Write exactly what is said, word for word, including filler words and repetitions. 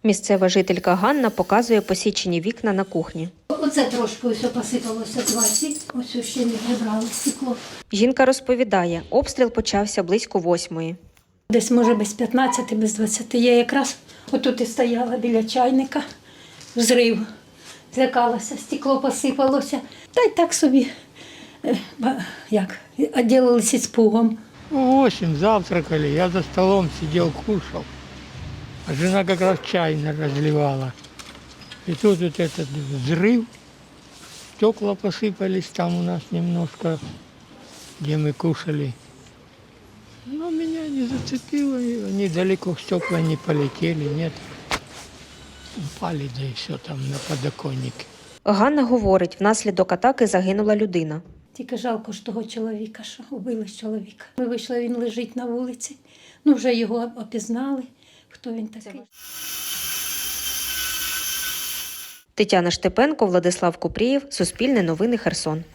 Місцева жителька Ганна показує посічені вікна на кухні. Оце трошки ось посипалося двадцять, ось ще не прибрали стекло. Жінка розповідає, обстріл почався близько восьмої. Десь, може, без п'ятнадцяти, без двадцяти. Я якраз отут і стояла біля чайника, взрив. Злякалася, стекло посипалося. Та й так собі, як, відділилися іспугом. В восемь завтракали, я за столом сидел, кушал. А жена как раз чай разливала. И тут вот этот взрыв, стекла посыпались там у нас немножко, где мы кушали. Но меня не зацепило, и они далеко стекла не полетели, нет. Упали, да и все там на подоконнике. Ганна говорить, внаслідок атаки загинула людина. Тільки жалко ж того чоловіка, що убили чоловіка. Ми вийшли, він лежить на вулиці. Ну, вже його опізнали, хто він такий. Тетяна Штепенко, Владислав Купрієв, Суспільне новини, Херсон.